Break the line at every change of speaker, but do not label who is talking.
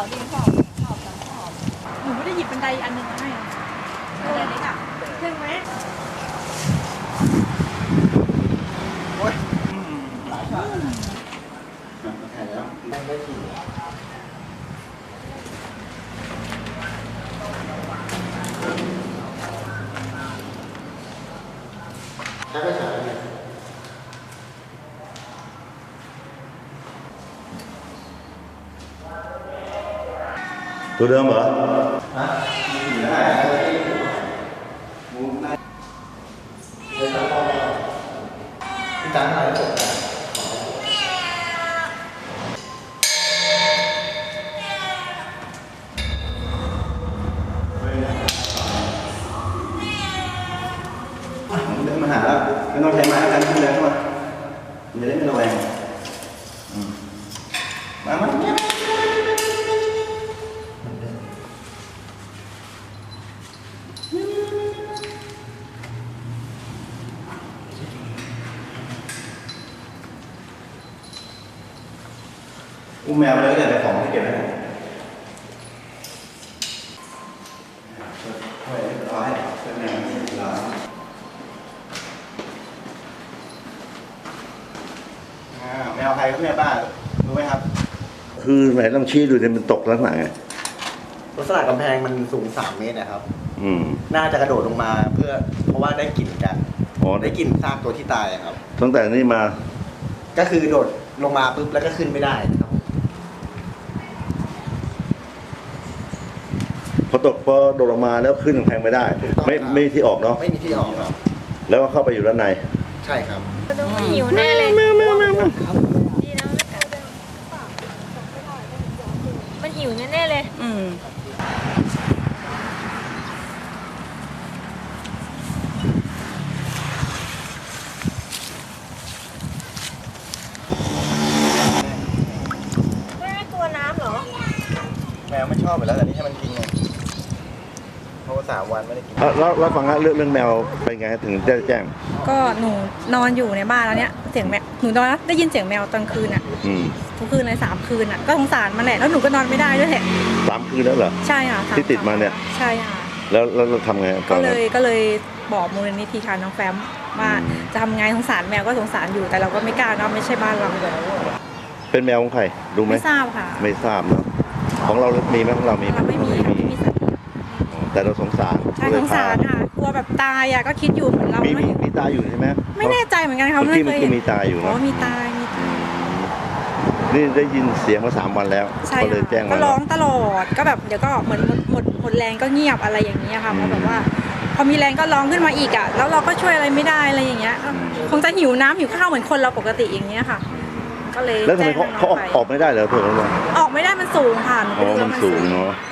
ดินขอบหนูไม่ได้หยิบบันไดอันหนึ่งมาให้บันไดเล็กอ่ะขึ้นไหม
โอ้ยหลายช็อตแข่งแล้วไม่ได้ขี่ใช้ไปฉายเนี่ย
ตัวเดิมเหรอ
ฮะขี่ได้มุมได้เลยตั้งกล้องได้พี่จันอะไรตกใจเดินมาหาแล้วไม่ต้องใช้ไม้แล้วกันขึ้นเลยเข้ามามันจะได้ไม่ระแวงมาอุ้มแมวเลยแต่ของที่เก็บไว้ช่วยรอให้ช่วยแมวรอแมวใครครับแม่ป้ารู้ไหมครับ
คือไหนลองชี้ดูเนี่ยมันตกลักษณะไง
ลักษณะกำแพงมันสูง3 เมตรนะครับ
น่า
จะกระโดดลงมาเพราะว่าได้กลิ่นกันได้กลิ่นซากตัวที่ตายครับ
ตั้งแต่นี้มา
ก็คือโดดลงมาปุ๊บแล้วก็ขึ้นไม่ได้ครับ
พอโดดลงมาแล้วขึ้นกำแพงไม่ได้ไม่ที่ออกเนาะ
ไม่มีที่ออกครับ
แล้วก็เข้าไปอยู่ด้านใน
ใช่ครับ
มันหิวแน่เลยดีนะมันหิวแน่เลยไม่กลัวน้ำเหรอ
แมวไม่ชอบไปแล้วแต่นี่ให้มันกินไงเพราะว่า3 วันไม่ได้กิน
แล้วฟังเรื่องแมวเป็นไงถึงได้แจ้ง
ก็หนูนอนอยู่ในบ้านแล้วเนี้ยเสียงแมวหนูนอนได้ยินเสียงแมวตอนคืนอ่ะทุกคืนเลย3 คืนอ่ะก็สงสารมันแหละแล้วหนูก็นอนไม่ได้ด้วยแหละ
3 คืนแล้วเหรอ
ใช่ค่ะ
ที่ติดมาเนี่ย
ใช่ค่ะ
แล้วเราทำไง
ก็เลยบอกมูลนิธิค่ะน้องแฟมว่าจะทำไงสงสารแมวก็สงสารอยู่แต่เราก็ไม่กล้าเนาะไม่ใช่บ้านเรา
เป็นแมวของใครรู้ไหม
ไม่ทราบค่ะ
ไม่ทราบเนาะของเรามีไหมของเรามีไหม
ไม่มี
แต่เราสงสาร
ใช่สงสารค่ะกลัวแบบตายอ่ะก็คิดอยู่เหมือนเรา
มีตายอยู่ใช่ไหม
ไม่แน่ใจเหมือนกันค่ะ
ไม่เคยเห็นมีตายอยู่นะ
มีตาย
นี่ได้ยินเสียงมา3 วันแล้วก็เลยแจ้ง
ก็ร้องตลอดก็แบบเดี๋ยวก็เหมือนหมดแรงก็เงียบอะไรอย่างเงี้ยค่ะเพราะแบบว่าพอมีแรงก็ร้องขึ้นมาอีกอ่ะแล้วเราก็ช่วยอะไรไม่ได้อะไรอย่างเงี้ยคงจะหิวน้ำหิวข้าวเหมือนคนเราปกติอย่างเงี้ยค่ะก็เลย
แล้วทำไมเขาออกไม่ได้เหรอเพื่อน
ออกไม่ได้มันสูงค่ะ
มันสูงเนาะ